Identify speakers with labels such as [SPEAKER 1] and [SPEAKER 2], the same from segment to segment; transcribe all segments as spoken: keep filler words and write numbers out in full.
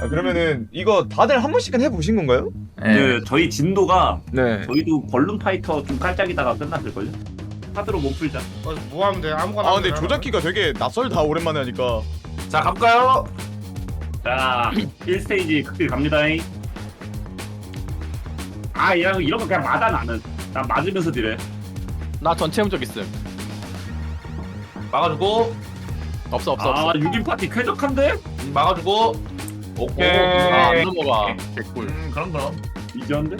[SPEAKER 1] 아, 그러면은 이거 다들 한 번씩은 해보신 건가요?
[SPEAKER 2] 네.
[SPEAKER 3] 그 저희 진도가
[SPEAKER 1] 네.
[SPEAKER 3] 저희도 벌룬 파이터 좀 깔짝이다가 끝났을걸요? 하드로 못 풀자.
[SPEAKER 4] 어, 뭐 하면 돼? 아무거나.
[SPEAKER 1] 아
[SPEAKER 4] 하면
[SPEAKER 1] 근데
[SPEAKER 4] 되나?
[SPEAKER 1] 조작기가 되게 낯설다 오랜만에 하니까.
[SPEAKER 2] 자 가볼까요?
[SPEAKER 3] 자, 일 스테이지 극딜 갑니다잉. 아, 이런 이런 거 그냥 맞아 나는. 난 맞으면서 딜해.
[SPEAKER 5] 나 전체 음적 있음.
[SPEAKER 2] 막아주고
[SPEAKER 5] 없어 없어
[SPEAKER 3] 아,
[SPEAKER 5] 없어.
[SPEAKER 3] 육 인 파티 쾌적한데?
[SPEAKER 2] 음, 막아주고 오케이.
[SPEAKER 5] 아, 안 넘어가. 개꿀.
[SPEAKER 2] 음 그럼 그럼.
[SPEAKER 3] 이지한데?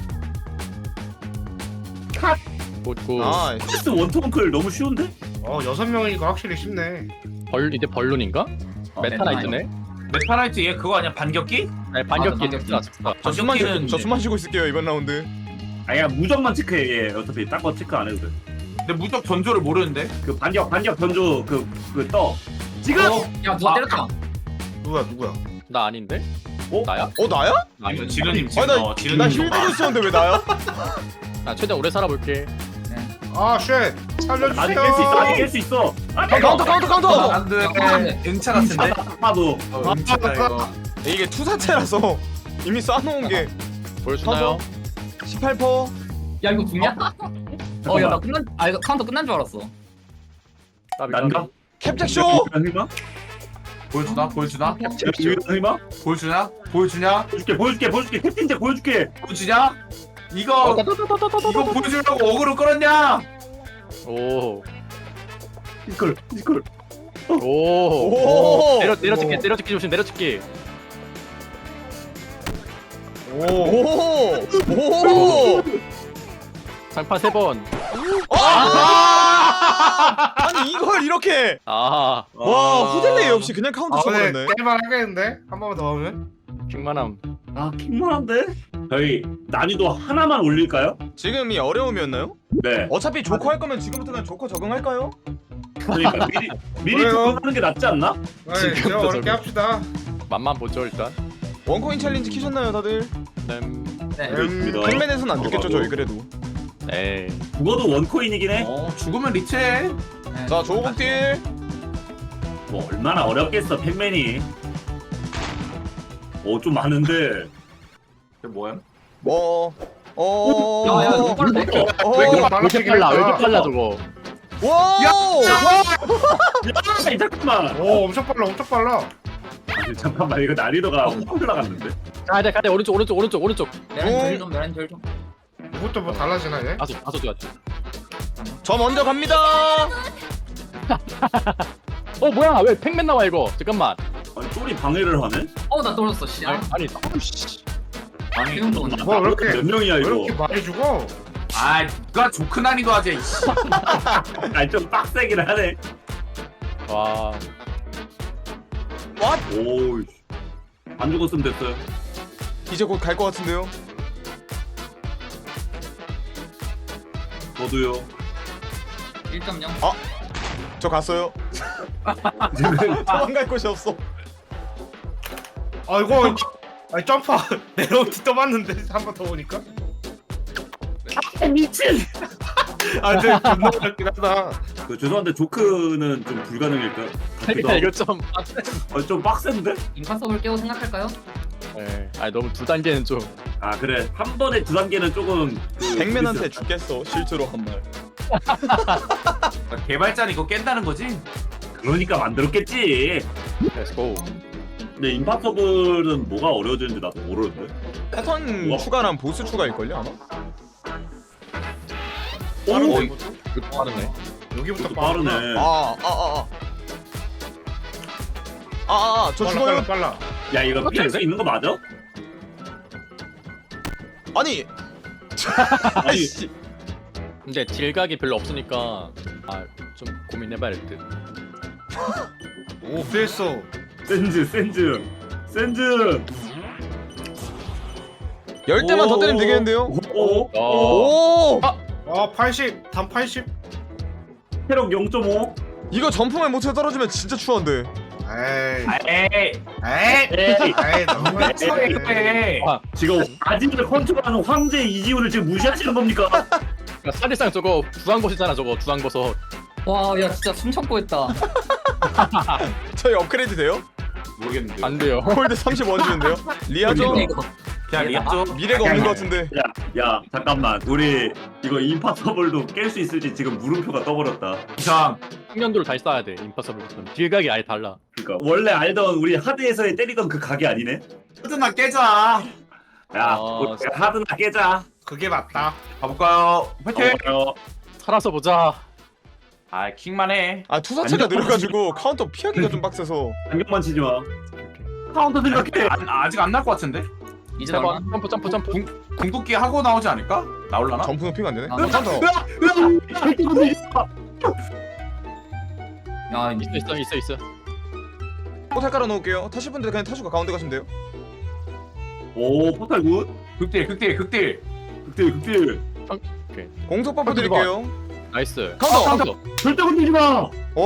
[SPEAKER 5] 굿굿.
[SPEAKER 1] 아
[SPEAKER 3] 패스 원통클 너무 쉬운데?
[SPEAKER 4] 어 여섯 명이니까 확실히 쉽네.
[SPEAKER 5] 벌 이제 벌룬인가?
[SPEAKER 3] 어,
[SPEAKER 5] 메타나이트네.
[SPEAKER 2] 메타나이트 얘 그거 아니야 반격기?
[SPEAKER 5] 네 반격기
[SPEAKER 6] 맞아,
[SPEAKER 5] 엑스트라 엑스트라.
[SPEAKER 1] 저 숨만 쉬고
[SPEAKER 2] 반격기는
[SPEAKER 1] 저 숨만 쉬고 있을게요 이번 라운드.
[SPEAKER 3] 아야 무적만 체크해. 얘 어차피 딴 거 체크 안 해도 돼.
[SPEAKER 2] 근데 무적 전조를 모르는데.
[SPEAKER 3] 그 반격 반격 변조 그그 떠. 지금.
[SPEAKER 2] 어?
[SPEAKER 6] 야 누가
[SPEAKER 2] 아,
[SPEAKER 6] 때렸다.
[SPEAKER 4] 누구야 누구야?
[SPEAKER 5] 나 아닌데?
[SPEAKER 3] 어?
[SPEAKER 5] 나야?
[SPEAKER 1] 어 나야?
[SPEAKER 2] 아니 지르님 지금
[SPEAKER 1] 아나
[SPEAKER 2] 어, 지르님
[SPEAKER 1] 나
[SPEAKER 2] 좀
[SPEAKER 1] 힐
[SPEAKER 2] 봐.
[SPEAKER 1] 들고 있었는데 왜 나야?
[SPEAKER 5] 나 최대한 오래 살아볼게.
[SPEAKER 4] 아 쉣! 살려주세요.
[SPEAKER 3] 아직 깰 수 있어. 아직 깰 수 있어. 아,
[SPEAKER 1] 카운터 카운터 카운터.
[SPEAKER 2] 안돼. 응차 같은데.
[SPEAKER 3] 봐도.
[SPEAKER 2] 어, 응차다 이거.
[SPEAKER 1] 이게 투사체라서 이미 쏴놓은 게
[SPEAKER 5] 보여주나요?
[SPEAKER 1] 십팔 퍼센트.
[SPEAKER 6] 야 이거 죽냐? 어 야 나 끝난 아 이거 카운터 끝난 줄 알았어.
[SPEAKER 5] 까비,
[SPEAKER 3] 난가?
[SPEAKER 5] 까비.
[SPEAKER 1] 캡잭쇼.
[SPEAKER 3] 설마?
[SPEAKER 2] 보여주나? 보여주나?
[SPEAKER 3] 설마?
[SPEAKER 2] 보여주냐? 보여주냐?
[SPEAKER 3] 보여줄게 보여줄게 보여줄게 캡틴제 보여줄게.
[SPEAKER 2] 보여주냐? 이거 이거 보여주려고 어그로 끌었냐?
[SPEAKER 5] 오.
[SPEAKER 3] 이걸 이걸.
[SPEAKER 5] 오.
[SPEAKER 1] 오.
[SPEAKER 5] 내려 내려찍기 내려찍기 조심 내려찍기.
[SPEAKER 1] 오. 오.
[SPEAKER 5] 장판 세 번.
[SPEAKER 1] 아! 아니 이걸 이렇게.
[SPEAKER 5] 아.
[SPEAKER 1] 와 후델레 역시 그냥 카운터
[SPEAKER 4] 아 근데
[SPEAKER 1] 쳐버렸네.
[SPEAKER 4] 게임만 하겠는데? 한 번만 더 하면?
[SPEAKER 5] 킹만함.
[SPEAKER 3] 아 킹만한데? 저희 난이도 하나만 올릴까요?
[SPEAKER 1] 지금이 어려움이었나요?
[SPEAKER 3] 네.
[SPEAKER 1] 어차피 조커 할 거면 지금부터 그냥 조커 적응할까요?
[SPEAKER 3] 그러니까 미리 미리
[SPEAKER 4] 그래요.
[SPEAKER 3] 적응하는 게 낫지 않나?
[SPEAKER 4] 네,
[SPEAKER 5] 지금부터
[SPEAKER 4] 제가 어렵게
[SPEAKER 5] 저기.
[SPEAKER 4] 합시다.
[SPEAKER 5] 맛만 보죠 일단.
[SPEAKER 1] 원코인 챌린지 키셨나요 다들?
[SPEAKER 5] 음.
[SPEAKER 6] 네.
[SPEAKER 3] 그렇습니다.
[SPEAKER 1] 팩맨에선 안 죽겠죠 저희 그래도.
[SPEAKER 5] 에이.
[SPEAKER 3] 죽어도 원코인이긴 해.
[SPEAKER 2] 어 죽으면 리체.
[SPEAKER 6] 네.
[SPEAKER 1] 자 조국딜.
[SPEAKER 3] 뭐 얼마나 어렵겠어 팩맨이. 오 좀 많은데.
[SPEAKER 2] 이게 뭐야?
[SPEAKER 1] 뭐. 어.
[SPEAKER 6] 야, 야, 이거 빠르네.
[SPEAKER 1] 어.
[SPEAKER 4] 왜 이렇게
[SPEAKER 5] 왜 이렇게
[SPEAKER 4] 빨라지긴
[SPEAKER 5] 빨라? 왜 이렇게
[SPEAKER 4] 했다.
[SPEAKER 5] 빨라 저거?
[SPEAKER 1] 와.
[SPEAKER 3] 야 잠깐만.
[SPEAKER 4] 오 엄청 빨라 엄청 빨라.
[SPEAKER 3] 아니, 잠깐만 이거 난이도가 확 올라갔는데.
[SPEAKER 5] 가야 돼 가야 돼 오른쪽 오른쪽 오른쪽 오른쪽.
[SPEAKER 6] 내란 절좀 내란 절 좀.
[SPEAKER 4] 이것도 뭐 달라지나 얘?
[SPEAKER 5] 다섯 다섯 개.
[SPEAKER 1] 저 먼저 갑니다.
[SPEAKER 5] 어 뭐야 왜 팩맨 나와 이거? 잠깐만.
[SPEAKER 3] 아니 쫄이 방해를 하네?
[SPEAKER 6] 어나 떨어졌어 씨.
[SPEAKER 5] 아니
[SPEAKER 6] 아,
[SPEAKER 5] 아니. 씨.
[SPEAKER 6] 아니 이건 뭐.
[SPEAKER 4] 뭐, 왜 이렇게-
[SPEAKER 3] 몇 명이야
[SPEAKER 4] 왜
[SPEAKER 3] 이거?
[SPEAKER 4] 이렇게 많이 죽어?
[SPEAKER 2] 아 누가 조크 난이도 하지. 이씨.
[SPEAKER 3] 아니 좀 빡세긴 하네.
[SPEAKER 5] 와.
[SPEAKER 3] 오우. 안 죽었으면 됐어요.
[SPEAKER 1] 이제 곧 갈 것 같은데요.
[SPEAKER 3] 저도요.
[SPEAKER 6] 일 점 영.
[SPEAKER 1] 저 갔어요. 도망갈 곳이 없어.
[SPEAKER 4] 아 이거 아니 점프 내려오기 떠봤는데 한 번 더 오니까?
[SPEAKER 3] 아, 미친.
[SPEAKER 4] 아 근데 존나 어렵긴 하다.
[SPEAKER 3] 그 죄송한데 조크는 좀 불가능일까?
[SPEAKER 5] 그러니까 이거 좀.
[SPEAKER 3] 어, 좀 빡센데?
[SPEAKER 6] 임파서블 깨고 생각할까요?
[SPEAKER 5] 예. 아니 너무 두 단계는 좀.
[SPEAKER 3] 아 그래 한 번에 두 단계는 조금 그
[SPEAKER 1] 백맨한테
[SPEAKER 3] 그랬을-
[SPEAKER 1] 죽겠어 실제로 한 말.
[SPEAKER 2] 개발자는 이거 깬다는 거지?
[SPEAKER 3] 그러니까 만들었겠지.
[SPEAKER 5] Let's go.
[SPEAKER 3] 근데 임파서블은 뭐가 어려워지는지 나도 모르는데.
[SPEAKER 1] 패턴
[SPEAKER 3] 우와.
[SPEAKER 1] 추가랑 보스 추가일걸요 아마?
[SPEAKER 3] 오,
[SPEAKER 1] 빠른데,
[SPEAKER 5] 이거 이거 빠르네.
[SPEAKER 4] 여기부터
[SPEAKER 3] 이것도
[SPEAKER 4] 빠르네.
[SPEAKER 3] 빠르네.
[SPEAKER 1] 아아아 아. 아아저
[SPEAKER 4] 빨라
[SPEAKER 1] 죽어요?
[SPEAKER 4] 빨라 빨라.
[SPEAKER 3] 야 이거 피할 수 있는 거 맞아?
[SPEAKER 1] 아니.
[SPEAKER 3] 아니
[SPEAKER 1] 아이씨.
[SPEAKER 5] 근데 딜각이 별로 없으니까 아 좀 고민해봐야 될 듯.
[SPEAKER 4] 오 피했어.
[SPEAKER 3] 센즈 센즈 센즈.
[SPEAKER 1] 열 대만 더 때리면 되겠는데요?
[SPEAKER 3] 오.
[SPEAKER 5] 어.
[SPEAKER 1] 오.
[SPEAKER 4] 아 팔십 단 팔십.
[SPEAKER 3] 체력 영 점 오.
[SPEAKER 1] 이거 점프만 못해 떨어지면 진짜 추한데.
[SPEAKER 4] 에이
[SPEAKER 2] 에이.
[SPEAKER 4] 에이
[SPEAKER 3] 에이.
[SPEAKER 4] 에이 너무
[SPEAKER 2] 소리 해.
[SPEAKER 3] 지금 아직을 컨트롤하는 황제 이지훈을 지금 무시하시는 겁니까?
[SPEAKER 5] 그러니까 사실상 저거 주황버섯이잖아 저거 주황버섯.
[SPEAKER 6] 와 야 진짜 숨 참고 했다.
[SPEAKER 1] 저희 업그레이드 돼요?
[SPEAKER 2] 모르겠는데.
[SPEAKER 5] 안 돼요.
[SPEAKER 1] 콜드 삼십일 주는데요? 리아죠?
[SPEAKER 6] 이거
[SPEAKER 2] 그냥 리아죠.
[SPEAKER 1] 미래가 없는 것 같은데.
[SPEAKER 3] 야, 야 잠깐만 우리 이거 임파서블도 깰 수 있을지 지금 물음표가 떠버렸다.
[SPEAKER 2] 이상.
[SPEAKER 5] 숙련도를 다시 쌓아야 돼. 임파서블부터는 딜각이 아예 달라.
[SPEAKER 3] 그러니까 원래 알던 우리 하드에서의 때리던 그 각이 아니네.
[SPEAKER 2] 하드나 깨자.
[SPEAKER 3] 야,
[SPEAKER 5] 아,
[SPEAKER 3] 우리 하드나 깨자.
[SPEAKER 4] 그게 맞다.
[SPEAKER 2] 가볼까요? 화이팅.
[SPEAKER 3] 어,
[SPEAKER 5] 살아서 보자.
[SPEAKER 2] 아 킥만 해.
[SPEAKER 1] 아 투사체가
[SPEAKER 3] 안녕.
[SPEAKER 1] 느려가지고 카운터 피하기가 좀 빡세서.
[SPEAKER 3] 안경만 치지 마. 카운터 생각해.
[SPEAKER 2] 아, 아직 안 날 것 같은데?
[SPEAKER 6] 이제
[SPEAKER 5] 세
[SPEAKER 6] 나와.
[SPEAKER 5] 번. 점프 점프 점프.
[SPEAKER 2] 궁 궁극기 하고 나오지 않을까? 나올라나?
[SPEAKER 1] 점프 높이가 안 되네.
[SPEAKER 6] 아,
[SPEAKER 1] 카운터.
[SPEAKER 6] 야
[SPEAKER 5] 있어 있어 있어 있어.
[SPEAKER 1] 포탈 깔아 놓을게요. 타실 분들 그냥 타시고 가운데 가시면 돼요.
[SPEAKER 3] 오 포탈 굿.
[SPEAKER 2] 극딜 극딜 극딜.
[SPEAKER 3] 극딜 극딜.
[SPEAKER 1] 공속 버프
[SPEAKER 5] 카운터
[SPEAKER 1] 드릴게요.
[SPEAKER 5] 나이스.
[SPEAKER 1] 카운터.
[SPEAKER 5] 카운터.
[SPEAKER 3] 절대 건들지 마.
[SPEAKER 1] 오.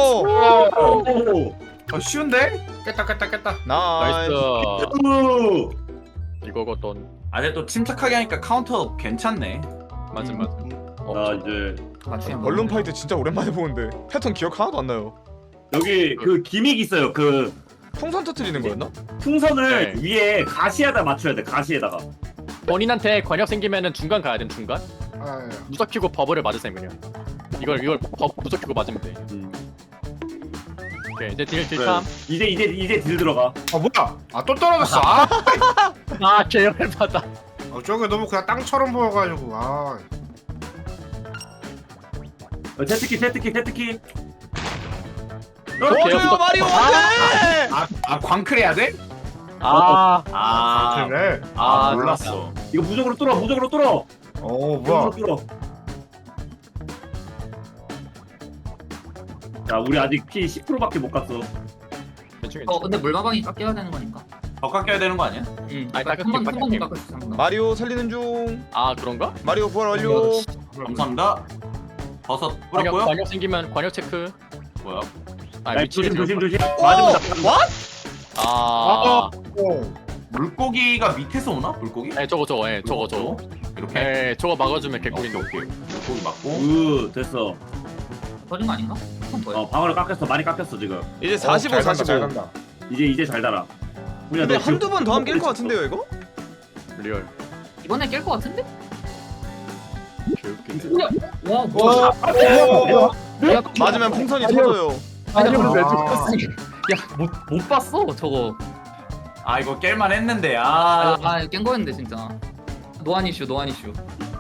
[SPEAKER 3] 오.
[SPEAKER 2] 어 쉬운데?
[SPEAKER 4] 깼다 깼다 깼다.
[SPEAKER 1] 나이스.
[SPEAKER 5] 나이스.
[SPEAKER 3] 오.
[SPEAKER 5] 이거거든.
[SPEAKER 2] 아 근데 또 침착하게 하니까 카운터 괜찮네.
[SPEAKER 5] 맞음 맞음. 어,
[SPEAKER 3] 나
[SPEAKER 5] 저-
[SPEAKER 3] 이제
[SPEAKER 6] 맞추면
[SPEAKER 1] 아, 벌룬 파이트 진짜 오랜만에 보는데 패턴 기억 하나도 안 나요.
[SPEAKER 3] 여기 그 기믹 있어요. 그
[SPEAKER 1] 풍선 터트리는 거였나?
[SPEAKER 3] 풍선을
[SPEAKER 5] 네.
[SPEAKER 3] 위에 가시에다 맞춰야 돼. 가시에다가.
[SPEAKER 5] 본인한테 관역 생기면은 중간 가야 돼 중간.
[SPEAKER 4] 아,
[SPEAKER 5] 무적 키고 버블을 맞으세요 그냥. 이걸 이걸 버 무적 키고 맞으면 돼.
[SPEAKER 3] 음.
[SPEAKER 5] 오케이 이제 딜
[SPEAKER 3] 그래.
[SPEAKER 5] 딜탐.
[SPEAKER 3] 이제 이제 이제 딜 들어가.
[SPEAKER 4] 아 뭐야? 아 또 떨어졌어. 아,
[SPEAKER 5] 아 계열 받아.
[SPEAKER 4] 어, 저게 너무 그냥 땅처럼 보여가지고. 아,
[SPEAKER 3] 어, 제트키 제트키 제트키.
[SPEAKER 1] 도와줘요 마리오 안돼.
[SPEAKER 2] 아, 아 광클 해야 돼?
[SPEAKER 5] 아.
[SPEAKER 2] 아,
[SPEAKER 4] 그래.
[SPEAKER 2] 아,
[SPEAKER 5] 아,
[SPEAKER 2] 몰랐어.
[SPEAKER 3] 이거 무적으로 뚫어. 무적으로 뚫어.
[SPEAKER 4] 어
[SPEAKER 3] 무적으로
[SPEAKER 4] 뭐야?
[SPEAKER 3] 뚫어. 야 우리 아직 피 십 퍼센트밖에 못 갔어.
[SPEAKER 5] 대충
[SPEAKER 6] 어 근데 물마방이 깎여야 되는 거니까.
[SPEAKER 2] 더 깎여야 되는 거 아니야?
[SPEAKER 6] 응.
[SPEAKER 5] 아니, 깎을게,
[SPEAKER 6] 한번 한
[SPEAKER 5] 깎을게.
[SPEAKER 6] 번도 깎을 수 있는 거.
[SPEAKER 1] 마리오 살리는 중.
[SPEAKER 5] 아 그런가?
[SPEAKER 1] 마리오 부활 완료.
[SPEAKER 2] 감사합니다. 버섯
[SPEAKER 5] 관역
[SPEAKER 2] 뿌렸고요.
[SPEAKER 5] 관역 생기면 관역 체크.
[SPEAKER 2] 뭐야?
[SPEAKER 5] 아
[SPEAKER 3] 야,
[SPEAKER 5] 위치를
[SPEAKER 3] 조심 조심
[SPEAKER 5] 잘못-
[SPEAKER 3] 조심. 맞으면 나.
[SPEAKER 5] 아.
[SPEAKER 4] 오.
[SPEAKER 2] 물고기가 밑에서 오나? 물고기?
[SPEAKER 5] 네 저거 저거 예 저거 저거.
[SPEAKER 2] 이렇게.
[SPEAKER 5] 예 저거 막아주면
[SPEAKER 2] 오케이
[SPEAKER 5] 개꿀인데.
[SPEAKER 2] 오케이. 물고기 맞고.
[SPEAKER 3] 우 됐어.
[SPEAKER 6] 터진 거 아닌가? 한번 더요.
[SPEAKER 3] 어 방어를 깎였어. 많이 깎였어 지금.
[SPEAKER 1] 이제 사십오,
[SPEAKER 4] 잘 간다, 잘
[SPEAKER 1] 사십오.
[SPEAKER 4] 간다.
[SPEAKER 3] 이제 이제 잘 달아. 우리가
[SPEAKER 1] 근데
[SPEAKER 3] 너 지금
[SPEAKER 1] 한두 번 더 하면 깰 것 같은데요 이거?
[SPEAKER 5] 리얼.
[SPEAKER 6] 이번에 깰 거 같은데?
[SPEAKER 5] 개웃기네.
[SPEAKER 6] 와 뭐야?
[SPEAKER 1] 오.
[SPEAKER 6] 야,
[SPEAKER 1] 맞으면 풍선이 터져요.
[SPEAKER 6] 아니
[SPEAKER 4] 아.
[SPEAKER 6] 왜 죽었어? 야못 못 봤어 저거.
[SPEAKER 2] 아 이거 깰만 했는데
[SPEAKER 6] 아,
[SPEAKER 2] 아.
[SPEAKER 6] 아깬 거였는데 진짜. 노안 이슈 노안 이슈.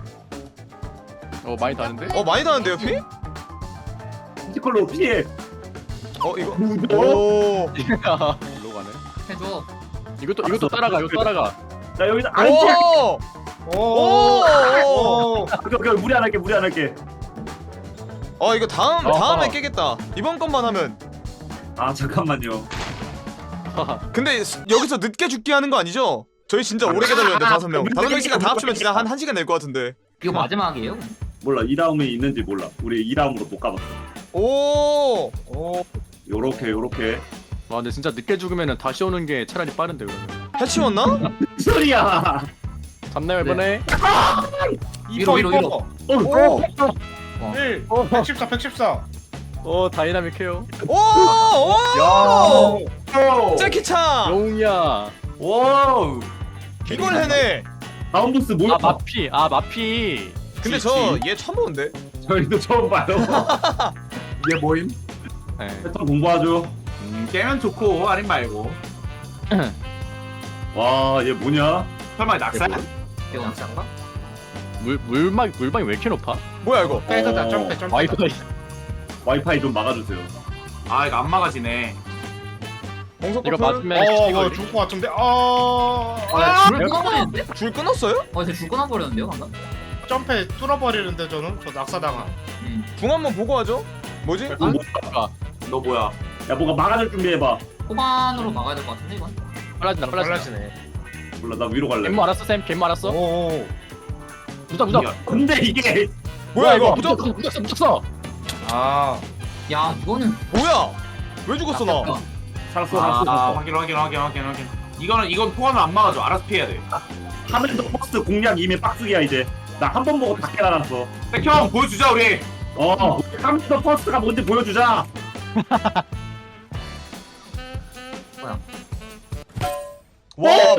[SPEAKER 5] 어 많이 다른데?
[SPEAKER 1] 어 많이 나는데요 피?
[SPEAKER 3] 피지컬로 피해.
[SPEAKER 1] 어 이거. 오.
[SPEAKER 5] 일로 가네.
[SPEAKER 6] 해줘.
[SPEAKER 5] 이것도 이것도 따라가 이거 따라가.
[SPEAKER 3] 나 여기서 아이씨.
[SPEAKER 1] 오.
[SPEAKER 4] 오.
[SPEAKER 1] 오.
[SPEAKER 3] 오케이 오케이 무리 안 할게 무리 안 할게.
[SPEAKER 1] 어 이거 다음
[SPEAKER 5] 어허.
[SPEAKER 1] 다음에 깨겠다. 이번 것만 하면.
[SPEAKER 3] 아 잠깐만요.
[SPEAKER 1] 근데 스- 여기서 늦게 죽게 하는 거 아니죠? 저희 진짜 오래 기다렸는데 다섯 명. 다섯 명 시간 다 합치면 진짜 한 한 시간 낼 것 같은데.
[SPEAKER 6] 이거 마지막이에요?
[SPEAKER 3] 몰라 이 다음에 있는지 몰라. 우리 이 다음으로 못 가봤어.
[SPEAKER 1] 오.
[SPEAKER 4] 오.
[SPEAKER 3] 요렇게 요렇게.
[SPEAKER 5] 와 근데 진짜 늦게 죽으면은 다시 오는 게 차라리 빠른데 그러면.
[SPEAKER 1] 해치웠나?
[SPEAKER 3] 소리야.
[SPEAKER 5] 잡나요 이번에?
[SPEAKER 6] 위로, 위로, 위로.
[SPEAKER 3] 어.
[SPEAKER 1] 오.
[SPEAKER 4] 일. 백십사 백십사.
[SPEAKER 5] 어 다이나믹해요.
[SPEAKER 1] 오. 오.
[SPEAKER 2] 오.
[SPEAKER 1] 재키차.
[SPEAKER 5] 영웅이야.
[SPEAKER 2] 와우.
[SPEAKER 1] 이걸 해내.
[SPEAKER 3] 다음 보스 뭐야?
[SPEAKER 5] 아 마피 아 마피.
[SPEAKER 1] 근데 저 얘 처음 보는데.
[SPEAKER 3] 저희도 처음 봐요.
[SPEAKER 2] 이게 뭐임?
[SPEAKER 5] 네.
[SPEAKER 3] 패턴 공부하죠.
[SPEAKER 2] 음, 깨면 좋고 아님 말고.
[SPEAKER 3] 와 얘 뭐냐?
[SPEAKER 2] 설마 낙살?
[SPEAKER 6] 이거
[SPEAKER 4] 장가?
[SPEAKER 5] 물 물막 물방이 왜 이렇게 높아?
[SPEAKER 1] 뭐야 이거?
[SPEAKER 4] 빼다 점프 점프.
[SPEAKER 5] 와이파이.
[SPEAKER 3] 와이파이 좀 막아주세요.
[SPEAKER 2] 아 이거 안 막아지네.
[SPEAKER 1] 공속
[SPEAKER 5] 이거
[SPEAKER 1] 버프.
[SPEAKER 5] 맞으면
[SPEAKER 4] 어,
[SPEAKER 5] 이거
[SPEAKER 4] 뭐 죽을 것 같은데. 아.
[SPEAKER 6] 아, 줄 끊어버리는데?
[SPEAKER 1] 줄 끊었어요?
[SPEAKER 6] 어, 쟤줄 끊어버렸는데요, 방금?
[SPEAKER 4] 점프에 뚫어버리는데 저는 저 낙사당함.
[SPEAKER 6] 응.
[SPEAKER 1] 궁 한번 보고 하죠. 뭐지?
[SPEAKER 3] 어, 뭐,
[SPEAKER 2] 너 뭐야?
[SPEAKER 3] 야 뭔가 막아줄 준비해봐.
[SPEAKER 6] 호반으로 막아야 될 것 같은데, 이건?
[SPEAKER 5] 빨라진다 빨라진다.
[SPEAKER 4] 달라지네.
[SPEAKER 3] 몰라 나 위로 갈래.
[SPEAKER 5] 갯모 알았어 쌤 갯모 알았어?
[SPEAKER 4] 오.
[SPEAKER 5] 무적 무적.
[SPEAKER 2] 야,
[SPEAKER 3] 근데 이게
[SPEAKER 1] 뭐야 이거?
[SPEAKER 5] 무적 무적 무적 써 무적 써.
[SPEAKER 4] 아.
[SPEAKER 6] 야, 이거는.
[SPEAKER 1] 뭐야? 왜 죽었어 나?
[SPEAKER 6] 야,
[SPEAKER 3] 살았어
[SPEAKER 2] 아,
[SPEAKER 3] 살았어.
[SPEAKER 2] 아
[SPEAKER 3] 살았어.
[SPEAKER 2] 확인 확인 확인 확인 확인. 이거는 이건 포함을 안 막아줘. 알아서 피해야 돼.
[SPEAKER 3] 하면서 버스 공략 이미 빡쓰기야 이제. 나 한 번 보고 다 깨달았어.
[SPEAKER 2] 백형 보여주자 우리.
[SPEAKER 3] 어. 하면서 버스가 뭔지 보여주자.
[SPEAKER 6] 뭐야?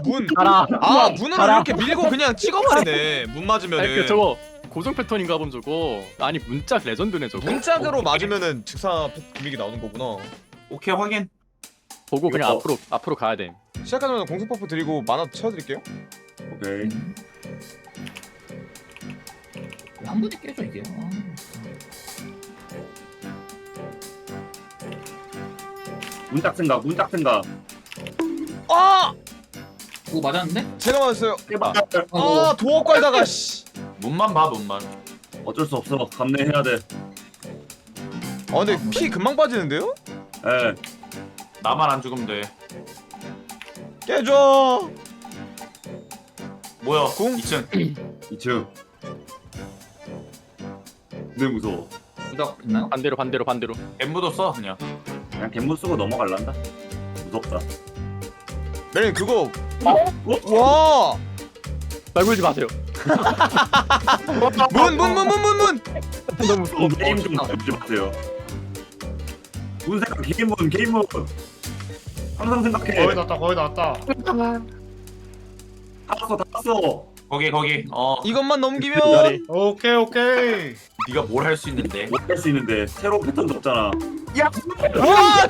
[SPEAKER 1] 문.
[SPEAKER 5] 가라.
[SPEAKER 1] 아 문으로
[SPEAKER 5] 가라.
[SPEAKER 1] 이렇게 밀고 그냥 찍어버리네. 문
[SPEAKER 5] 아니 그
[SPEAKER 1] 맞으면은.
[SPEAKER 5] 저거 고정 패턴인가 본 저거. 아니 문짝 레전드네 저거.
[SPEAKER 1] 문짝으로 맞으면은 즉사 기믹이 나오는 거구나.
[SPEAKER 2] 오케이 확인.
[SPEAKER 5] 보고 그냥
[SPEAKER 3] 이거-
[SPEAKER 5] 앞으로 앞으로 가야 돼.
[SPEAKER 1] 시작하자마자 공속 버프 드리고 만화 채워드릴게요.
[SPEAKER 3] 오케이.
[SPEAKER 6] 한 번에 깨져 이게. 아,
[SPEAKER 3] 문짝 생각 문짝 생각.
[SPEAKER 1] 아
[SPEAKER 6] 그거 맞았는데?
[SPEAKER 1] 제가 맞았어요.
[SPEAKER 3] 제발.
[SPEAKER 1] 아 도어 깔다가 씨.
[SPEAKER 2] 문만 봐 문만.
[SPEAKER 3] 어쩔 수 없어. 감내해야 돼.
[SPEAKER 1] 아 근데 피 금방 빠지는데요?
[SPEAKER 3] 예.
[SPEAKER 2] 나만 안 죽으면 돼.
[SPEAKER 1] 깨줘.
[SPEAKER 2] 뭐야?
[SPEAKER 1] 궁?
[SPEAKER 2] 이 층.
[SPEAKER 3] 이 층. 네 무서워.
[SPEAKER 6] 부적 있나요?
[SPEAKER 5] 반대로 반대로 반대로.
[SPEAKER 2] 엠부도 써 그냥.
[SPEAKER 3] 그냥 갯문 쓰고 넘어갈란다. 무섭다.
[SPEAKER 1] 메린 그거. 와.
[SPEAKER 5] 말 걸지 마세요.
[SPEAKER 1] 문 문 문 문 문 문.
[SPEAKER 5] 너무 무서워.
[SPEAKER 3] 게임 좀 잡지 마세요. 문 생각 게임문 게임문. 항상 생각해.
[SPEAKER 4] 거의 다 왔다 거의 다 왔다.
[SPEAKER 3] 다 왔어 다 왔어.
[SPEAKER 2] 거기 거기. 어.
[SPEAKER 1] 이것만 넘기면.
[SPEAKER 5] 자리.
[SPEAKER 4] 오케이 오케이.
[SPEAKER 2] 네가 뭘 할 수 있는데?
[SPEAKER 3] 못할 수 있는데 새로운 패턴도 없잖아.
[SPEAKER 1] 와.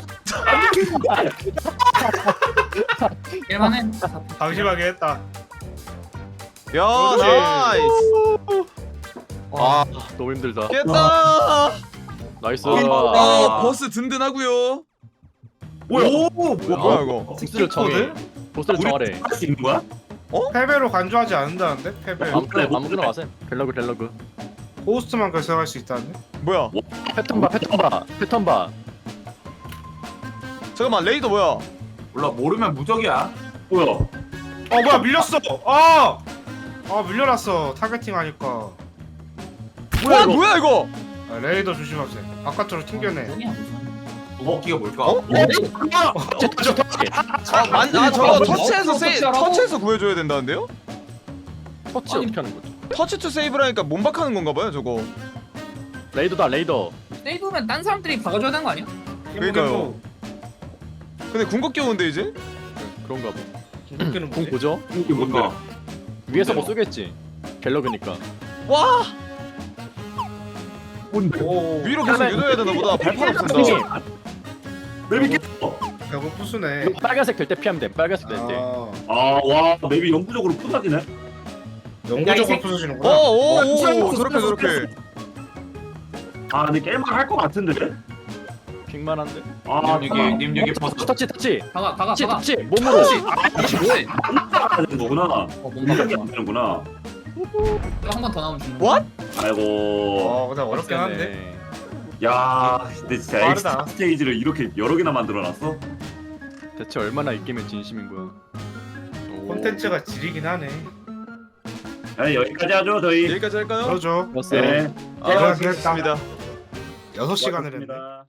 [SPEAKER 6] 일만해.
[SPEAKER 4] 방심하게 했다.
[SPEAKER 1] 야
[SPEAKER 4] 그렇지.
[SPEAKER 1] 나이스. 아
[SPEAKER 5] 너무 힘들다.
[SPEAKER 1] 깼다.
[SPEAKER 5] 나이스.
[SPEAKER 1] 아 버스 든든하고요.
[SPEAKER 3] 뭐야?
[SPEAKER 1] 오 뭐야 이거?
[SPEAKER 5] 보스를 정해. 보스를 정하래.
[SPEAKER 3] 할 수 있는 거야?
[SPEAKER 4] 패배로 간주하지 않는다는데? 패배.
[SPEAKER 5] 아무거나 아무거나 와세. 델러그 델러그.
[SPEAKER 4] 호스트만 결정할 수 있다는데?
[SPEAKER 1] 뭐야?
[SPEAKER 5] 패턴 봐 패턴 봐 패턴 봐.
[SPEAKER 1] 잠깐만 레이더 뭐야?
[SPEAKER 2] 몰라 모르면 무적이야.
[SPEAKER 3] 뭐야?
[SPEAKER 4] 어 뭐야 밀렸어. 아. 아 밀려났어. 타겟팅 하니까.
[SPEAKER 1] 뭐야 이거? 뭐야 이거?
[SPEAKER 4] 아, 레이더 조심하세요. 바깥으로 튕겨내.
[SPEAKER 6] 뭐냐 무슨.
[SPEAKER 2] 무기가 뭘까?
[SPEAKER 1] 어? 아만 아 저거 터치해서 세이 터치해서 구해줘야 된다는데요?
[SPEAKER 5] 터치 어떻게 하는 거죠?
[SPEAKER 1] 터치 투 세이브라니까 몸박하는 건가 봐요 저거.
[SPEAKER 5] 레이더다 레이더.
[SPEAKER 6] 세이브면 딴 사람들이 박아줘야 되는 거 아니야?
[SPEAKER 1] 그러니까요. 근데 궁극기 오는데 이제?
[SPEAKER 5] 그런가 봐.
[SPEAKER 4] 궁극기는
[SPEAKER 5] 궁
[SPEAKER 4] 뭐지?
[SPEAKER 5] 보죠?
[SPEAKER 3] 이게 뭔가?
[SPEAKER 5] 위에서 뭐 쏘겠지. 갤러그니까.
[SPEAKER 1] 와
[SPEAKER 4] 오.
[SPEAKER 1] 위로 계속 유도해야 되나 보다. 발판 없앤다.
[SPEAKER 3] 맵이 깼어.
[SPEAKER 4] 결국 부수네.
[SPEAKER 5] 빨간색 될 때 피하면 돼. 빨간색 될 때.
[SPEAKER 4] 아.
[SPEAKER 3] 아와 맵이 영구적으로 푸다지네.
[SPEAKER 4] 영구적으로 부수시는구나.
[SPEAKER 1] 오오오 저렇게 저렇게.
[SPEAKER 3] 아 근데 깰만 할 것 같은데?
[SPEAKER 5] 빅만한데.
[SPEAKER 3] 아
[SPEAKER 2] 님 여기 님 여기 버스.
[SPEAKER 5] 터치 터치.
[SPEAKER 6] 박아 박아
[SPEAKER 5] 터치
[SPEAKER 6] 박아.
[SPEAKER 5] 터치. 몸으로.
[SPEAKER 6] 터치. 뭐해?
[SPEAKER 3] 따라야 되는 거구나.
[SPEAKER 6] 어 뭔가
[SPEAKER 3] 공격이 안 되는구나.
[SPEAKER 6] 한 번 더 나오면 죽는 거.
[SPEAKER 1] What?
[SPEAKER 3] 아이고.
[SPEAKER 4] 어 근데 어렵긴 한데.
[SPEAKER 3] 야 근데 진짜
[SPEAKER 4] 빠르다.
[SPEAKER 3] 엑스트라 스테이지를 이렇게 여러 개나 만들어놨어?
[SPEAKER 5] 대체 얼마나 이 게임에 진심인 거야? 오.
[SPEAKER 4] 콘텐츠가 지리긴 하네.
[SPEAKER 3] 아 여기까지 하죠 저희.
[SPEAKER 1] 여기까지 할까요?
[SPEAKER 4] 그러죠.
[SPEAKER 5] 좋았어요.
[SPEAKER 3] 네.
[SPEAKER 1] 아,
[SPEAKER 4] 제가
[SPEAKER 1] 수고하셨습니다.
[SPEAKER 4] 여섯 시간을 했네.
[SPEAKER 3] 고맙습니다.